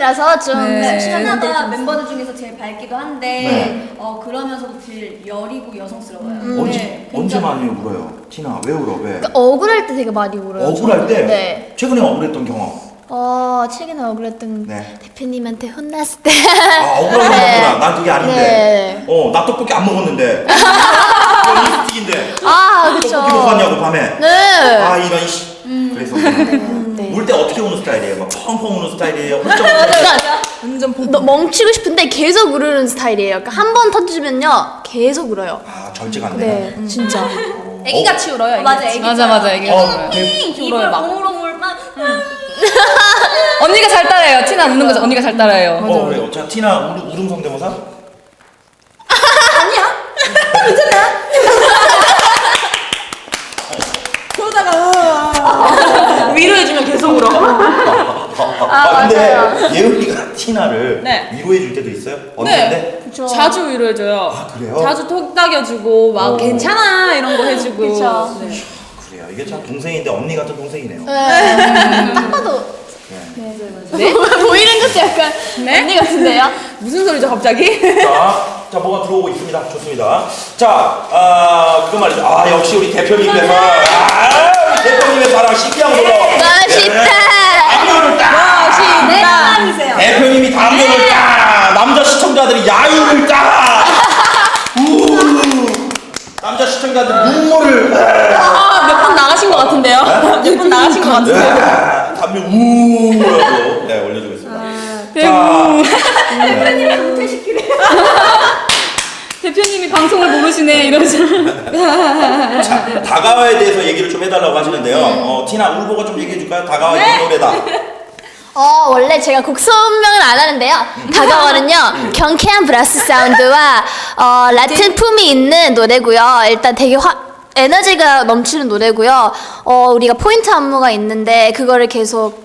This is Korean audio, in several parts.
느낌이라서 좀 네. 티나가 멤버들 중에서 제일 밝기도 한데 그러면서도 제일 여리고 여성스러워요. 언제 많이 울어요? 티나 왜 울어? 왜? 그러니까 억울할 때 되게 많이 울어요. 억울할 때? 네. 최근에 억울했던 경험. 최근에 억울했던 네. 대표님한테 혼났을 때. 억울한 경험이구나. 난 그게 아닌데. 네. 나 떡볶이 안 먹었는데. 이건 립스틱인데. 그쵸. 떡볶이 먹었냐고 밤에. 네. 이런 씨. 그래서 네. 울 때 어떻게 우는 스타일이에요? 막 펑펑 우는 스타일이에요? 완전 멈추고 싶은데 계속 울는 스타일이에요. 그러니까 한 번 터지면요 계속 울어요. 절제가 안 되네. 네, 진짜. 애기같이 울어요. 맞아, 애기. 맞아, 애기같이 울어요. 입을 오물오물 막. 언니가 잘 따라해요. 티나 우는 거 언니가 잘 따라해요. 그래요. 자, 티나 울음 성대모사? 위로해주면 계속 울어. 근데 예은이가 티나를 네. 위로해 줄 때도 있어요? 언니인데? 자주 위로해줘요. 그래요? 자주 톡 따겨주고 막 괜찮아 이런 거 해주고. 그쵸. 네. 그래요. 이게 참 동생인데 언니 같은 동생이네요. 한 번도. 네? 보이는 것도 약간 네? 언니 같은데요? 무슨 소리죠 갑자기? 자, 뭐가 들어오고 있습니다. 좋습니다. 자, 그거 말이죠. 역시 우리 대표님께서, 우리 대표님의 사랑 신기한 걸로. 멋있다. 담요를 딱! 내 사랑이세요. 대표님이 담요를 딱! 남자 시청자들이 야유를 딱! 남자 시청자들이 눈물을. 몇 번 나가신 것 같은데요? 몇 번 나가신 것 같은데요? 담요 우라고 올려주고 있습니다. 대표님을 은퇴시키래. 대표님이 방송을 모르시네 이러시. 자, 다가와에 대해서 얘기를 좀 해달라고 하시는데요. 티나 울보가 좀 얘기해줄까요? 다가와 이 노래다. 원래 제가 곡 설명을 안 하는데요. 다가와는요, 경쾌한 브라스 사운드와, 라틴 품이 있는 노래고요. 일단 되게 에너지가 넘치는 노래고요. 우리가 포인트 안무가 있는데, 그거를 계속,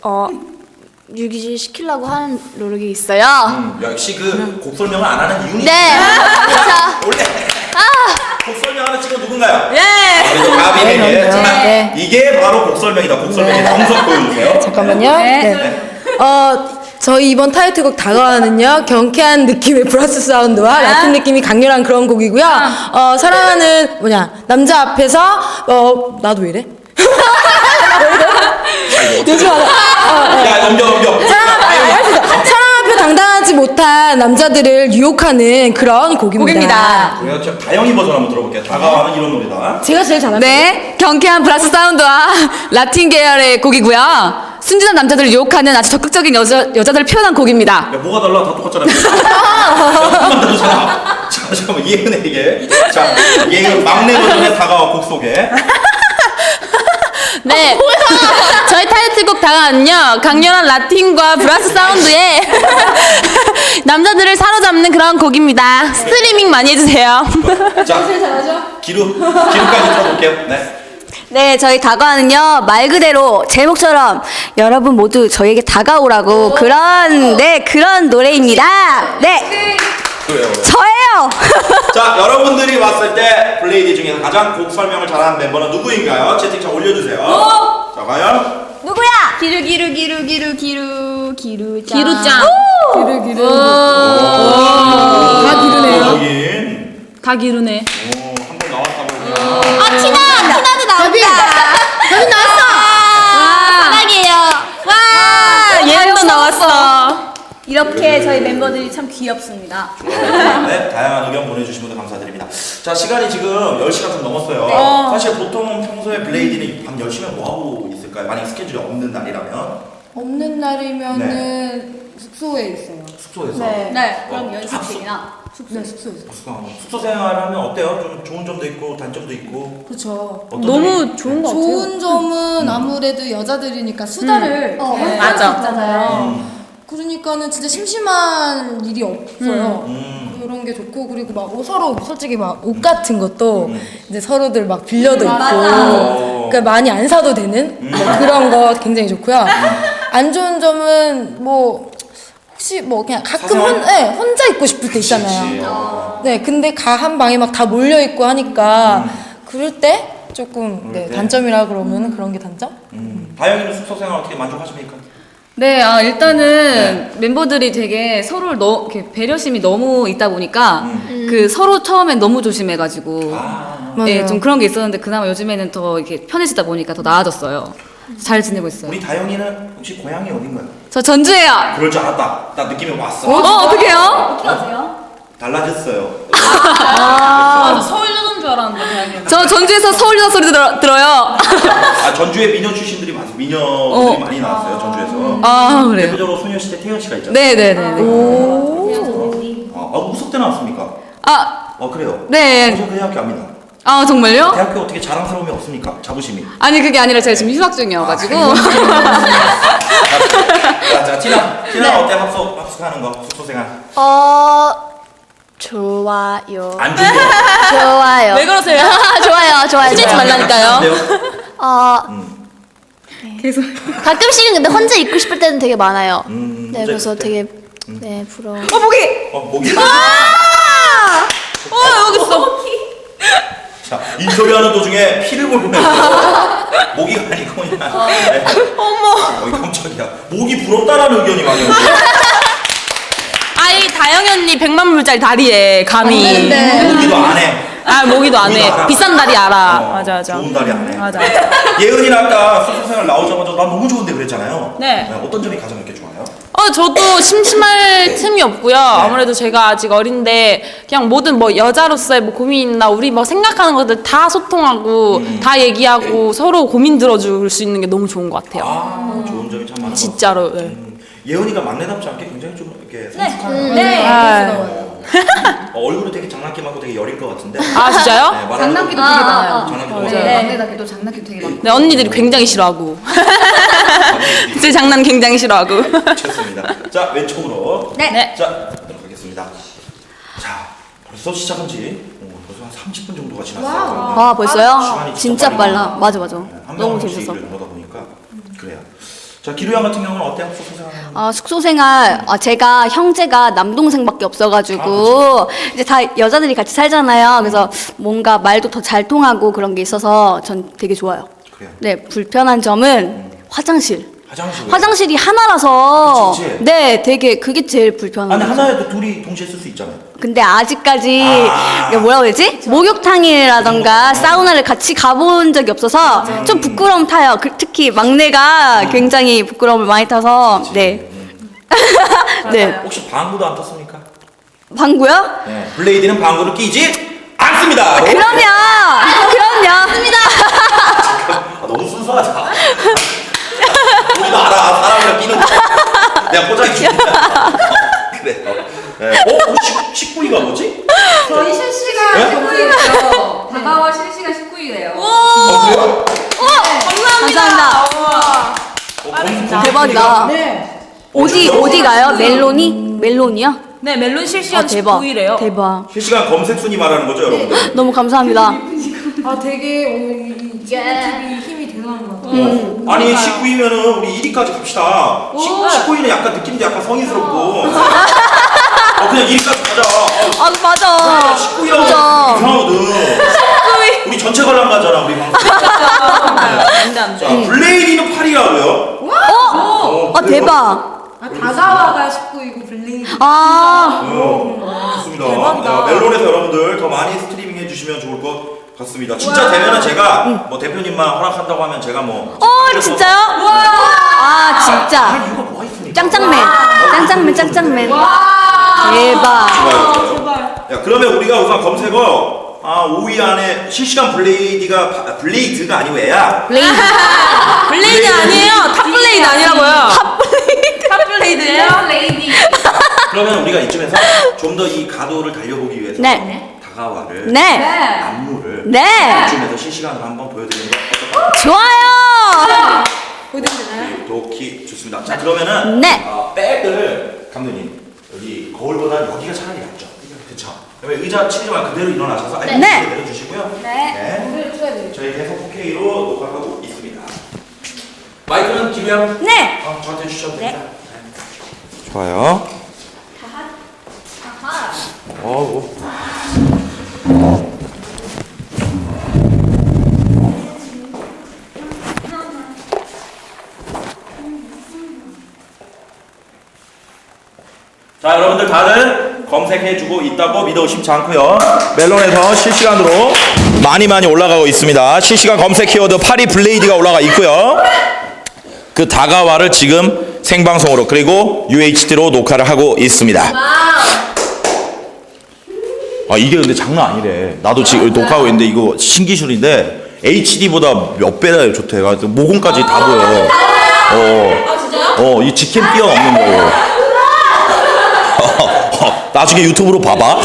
유지시키려고 하는 노력이 있어요. 역시 그 곡 설명을 안 하는 이유는 네. 자, 원래 곡 설명하는 친구 누군가요? 예. 그래서 가빈에게 자, 네. 이게 바로 곡 설명이다. 곡 설명의 정석 보여주세요. 잠깐만요. 네. 저희 이번 타이틀곡 다가와는요, 경쾌한 느낌의 브라스 사운드와 라틴 느낌이 강렬한 그런 곡이고요. 사랑하는 남자 앞에서 나도 왜 이래? 요즘 야, 넘겨. 사랑 앞에 당당하지 못한 남자들을 유혹하는 그런 곡입니다. 그래요. 저 다영이 버전 한번 들어볼게요. 다가와는 이런 노래다. 제가 제일 잘하는 네, 경쾌한 브라스 사운드와 라틴 계열의 곡이고요. 순진한 남자들을 유혹하는 아주 적극적인 여자들을 표현한 곡입니다. 야, 뭐가 달라? 다 똑같잖아요. 조금만 다르잖아. 자, 잠깐만 예은에게. 자, 예은 막내 버전의 다가와 곡 소개. 네. 저희 타이틀곡 다가와는요, 강렬한 라틴과 브라스 사운드에 남자들을 사로잡는 그런 곡입니다. 스트리밍 많이 해주세요. 자, 기루까지 들어볼게요. 네. 네, 저희 다가와는요, 말 그대로 제목처럼 여러분 모두 저에게 다가오라고 그런 노래입니다. 네, 그래요. 저예요. 자, 여러분들이 봤을 때 블레이드 중에서 가장 곡 설명을 잘하는 멤버는 누구인가요? 채팅창 올려주세요. 자, 과연? 누구야? 기루짱. 다 기르네요. 여긴. 다 기루네. 한번 나왔다고. 티나도 나온다. 여기 나왔어! 사랑해요. 얘도 나왔어. 이렇게 저희 멤버들이 참 귀엽습니다. 네, 다양한 의견 보내주신 분들 감사드립니다. 자, 시간이 지금 10시가 좀 넘었어요. 사실 보통 평소에 블레이드는 밤 10시면 뭐하고 있을까요? 만약 스케줄이 없는 날이라면? 없는 날이면은 숙소에 있어요. 숙소에서? 네, 그럼 연습실이나 네, 숙소에서. 숙소 생활하면 어때요? 좀 좋은 점도 있고 단점도 있고 그렇죠. 어떤 너무 좋은 것 같아요. 좋은 점은 아무래도 여자들이니까 수다를 맞아. 있잖아요. 그러니까는 진짜 심심한 일이 없어요. 그런 게 좋고, 그리고 막 서로 솔직히 막 옷 같은 것도 이제 서로들 막 빌려도 있고, 그러니까 많이 안 사도 되는 그런 거 굉장히 좋고요. 안 좋은 점은 뭐 혹시 뭐 그냥 가끔 혼자 있고 싶을 때 있잖아요. 네, 근데 한 방에 막 다 몰려 있고 하니까 그럴 때 조금 단점이라 그러면 그런 게 단점? 다영이는 숙소 생활 어떻게 만족하십니까? 네, 일단은 멤버들이 되게 서로를 이렇게 배려심이 너무 있다 보니까 그 서로 처음엔 너무 조심해가지고 네, 좀 그런 게 있었는데 그나마 요즘에는 더 이렇게 편해지다 보니까 더 나아졌어요. 잘 지내고 있어요. 우리 다영이는 혹시 고향이 어딘가요? 저 전주예요. 그럴 줄 알았다. 나 느낌이 왔어. 어떡해요? 어떻게 아세요? 달라졌어요. 저 서울 여자인 줄 알았는데 다행이야. 저 전주에서 서울 여자 소리 들어요. 아 전주에 미녀 출신들이 많습니다. 미녀들이 많이 나왔어요. 전주에서. 아, 그래요? 대표적으로 소녀시대 태연 씨가 있잖아요. 네네네. 무섭게 나왔습니까? 그래요. 네. 저 그 대학교 압니다. 정말요? 대학교 어떻게 자랑스러움이 없습니까? 자부심이. 아니, 그게 아니라 제가 지금 휴학 중이어가지고. 자, 티나 어때? 합숙하는 거, 숙소 생활. 좋아요. 안 좋은 거. 좋아요. 왜 그러세요? 좋아요. 혼내지 말라니까요. 계속. 가끔씩은 근데 혼자 있고 싶을 때는 되게 많아요. 네, 혼자 그래서 있을 때? 되게 부러워. 모기! 목이. 여기 있어. 자, 인터뷰하는 도중에 피를 보내고 모기가 아니고 그냥. 네. 어머. 깜짝이야. 목이 부럽다라는 의견이 많이 오고. 아이 다영이 언니 100만 불짜리 다리에 감히 모기도 안 해. 모기도 안 모기도 해 알아. 비싼 다리 알아. 맞아 좋은 다리 안 해. 맞아. 예은이는 아까 숙소 생활 나오자마자 난 너무 좋은데 그랬잖아요. 네. 어떤 점이 가장 이렇게 좋아요? 저도 심심할 틈이 없고요. 아무래도 제가 아직 어린데 그냥 모든 뭐 여자로서의 뭐 고민 있나 우리 뭐 생각하는 것들 다 소통하고 다 얘기하고 서로 고민 들어줄 수 있는 게 너무 좋은 것 같아요. 좋은 점이 참 많은 것 진짜로. 네. 예은이가 막내답지 않게 굉장히 좀 이렇게 성숙한 네. 얼굴은 되게 장난기 많고 되게 여릴 것 같은데. 아 진짜요? 네, 말하는 장난기도 거- 되게 많아요. 장난기도 네, 많아요. 막내답게도 장난기도 되게 많고. 네 언니들이 굉장히 싫어하고 제 장난 굉장히 싫어하고. 좋습니다. 자 왼쪽으로. 네. 자 가도록 하겠습니다. 자 벌써 시작한 지 벌써 한 30분 정도가 지났어요. 벌써요? 시간이 진짜 빨라. 맞아. 한 너무 명씩 재밌었어. 얘기를 나누다 보니까 그래요. 자 기루양 같은 경우는 어때요? 숙소 생활. 숙소 생활 제가 형제가 남동생밖에 없어가지고 이제 다 여자들이 같이 살잖아요. 그래서 뭔가 말도 더 잘 통하고 그런 게 있어서 전 되게 좋아요. 그래요. 네, 불편한 점은 화장실. 화장실. 화장실이 하나라서 그치, 그치. 네, 되게 그게 제일 불편한 아니 거. 하나에도 둘이 동시에 쓸 수 있잖아요. 근데 아직까지 아. 이게 뭐라고 해야지? 목욕탕이라던가 사우나를 같이 가본 적이 없어서 좀 부끄러움 타요. 특히 막내가 굉장히 부끄러움을 많이 타서 네. 네. 혹시 방구도 안 떴습니까? 방구요? 네. 블레이드는 방구를 끼지 않습니다. 그럼요. 너무 순수하다. 우리도 알아. 사람이랑 끼는 거. 내가 포장해 줄게. 그래요. 네. 식구이가 뭐지? 저희 실시간 네? 19일이요. 다가와 실시간 19일이에요. 그래요? 감사합니다. 대박이다. 네. 어디 가요? 멜론이요? 네 멜론 실시간 대박. 19일이에요. 대박. 실시간 검색 순위 말하는 거죠, 여러분들? 너무 감사합니다. 되게 오늘 이 TV 힘이 대단한 것 같아요. 아니 19위면은 우리 1위까지 갑시다. 19위는 약간 느낌도 약간 성인스럽고. 그냥 1위까지 가자. 맞아. 19위라고 맞아. 이상하거든. 우리 전체 관람가잖아 우리 방송. 자 블레이디는 8위라고요? 대박. 다가와가 19이고 블레이드. 좋습니다. 멜론에서 여러분들 더 많이 스트리밍 해주시면 좋을 것 같습니다. 진짜 되면은 제가 뭐 대표님만 허락한다고 하면 제가 뭐. 진짜요? 진짜. 이유가 뭐가 있습니까? 짱짱맨. 대박. 좋아요. 야 그러면 우리가 우선 검색어 5위 안에 실시간 블레이드가 아니고 애야. 블레이드 아니에요. 탑블레이드 아니라고요. 탑블레이드예요. 그러면 우리가 이쯤에서 좀 더 이 가도를 달려보기 위해서 네. 다가와를 네. 안무를 네. 이쯤에서 실시간으로 한번 보여드리는 거 어떨까요? 좋아요. 도키 좋습니다. 자 그러면은 네. 백을 감독님 여기 거울보다 여기가 차라리 낫죠. 그렇죠. 그러면 의자 치지 말고 그대로 일어나셔서 아예 네. 내려주시고요. 네. 저희 계속 4K로 녹화하고 있습니다. 마이크는 기부양. 네. 저한테 주셔도 됩니다. 좋아요. 자, 여러분들 다들 검색해주고 있다고 믿어 쉽지 않고요. 멜론에서 실시간으로 많이 올라가고 있습니다. 실시간 검색 키워드 파리 블레이드가 올라가 있고요. 그 다가와를 지금 생방송으로 그리고 UHD로 녹화를 하고 있습니다. 아, 이게 근데 장난 아니래. 나도 지금 녹화하고 있는데 이거 신기술인데 HD보다 몇 배나 좋대. 모공까지 다 보여. 이 직캠 뛰어넘는 거. 나중에 유튜브로 봐봐.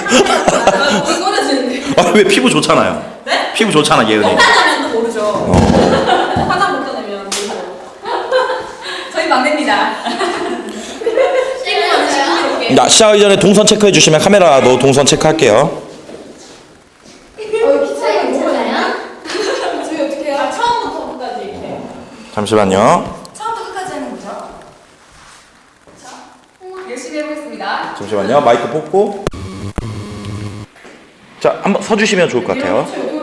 아, 왜 피부 좋잖아요. 네? 피부 좋잖아, 예은이. 화장하면 모르죠. 화장 못 따내면 모르죠. 저희 막내입니다. 나 시작하기 전에 동선 체크해 주시면 카메라도 동선 체크할게요. 잠시만요. 처음부터 끝까지 하는 거죠? 열심히 해보겠습니다. 잠시만요. 마이크 뽑고. 자, 한번 서주시면 좋을 것 같아요.